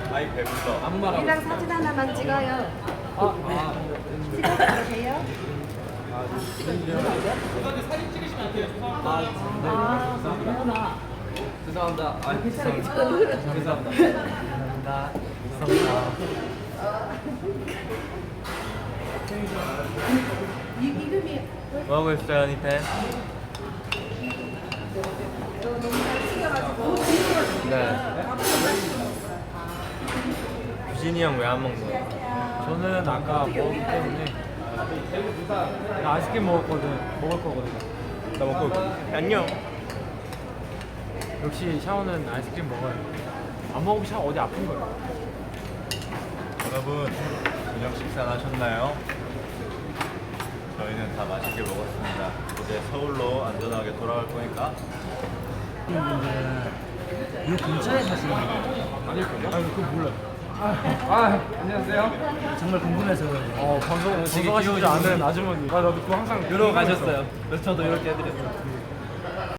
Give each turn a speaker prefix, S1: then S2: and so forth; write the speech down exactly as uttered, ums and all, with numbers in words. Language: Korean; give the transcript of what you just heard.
S1: 아이 배불러.
S2: 안무라고.
S3: 우리랑 사진 하나만 찍어요.
S2: 아, 아.
S3: 찍어도 돼요?
S2: 아, 네.
S3: 아, 그러나.
S2: 죄송합니다. 아, 죄송합니다. 죄송합니다. 죄송합니다. 죄송합니다.
S3: 이, 이름이
S1: 뭐 하고 있어요, 니텐?
S3: 너무 잘 찍어가지고.
S1: 네. 유진이 형 왜 안 먹는 거야?
S2: 저는 아까 먹었기 때문에 나 아이스크림 먹었거든. 먹을 거거든.
S1: 나 먹고 올게. 안녕.
S2: 역시 샤오는 아이스크림 먹어야 돼. 안 먹으면 샤오 어디 아픈 거야.
S1: 여러분, 저녁 식사 하셨나요? 저희는 다 맛있게 먹었습니다. 이제 서울로 안전하게 돌아갈 거니까.
S2: 이 근처에 사시는 거 아닐 거요? 아니 그거 몰라. 아, 아, 안녕하세요. 정말 궁금해서. 어 방송 방송하시지 않은 아주머니. 아 나도 그거 항상
S1: 이러고 가셨어요. 그래서 저도 이렇게 해드렸어요.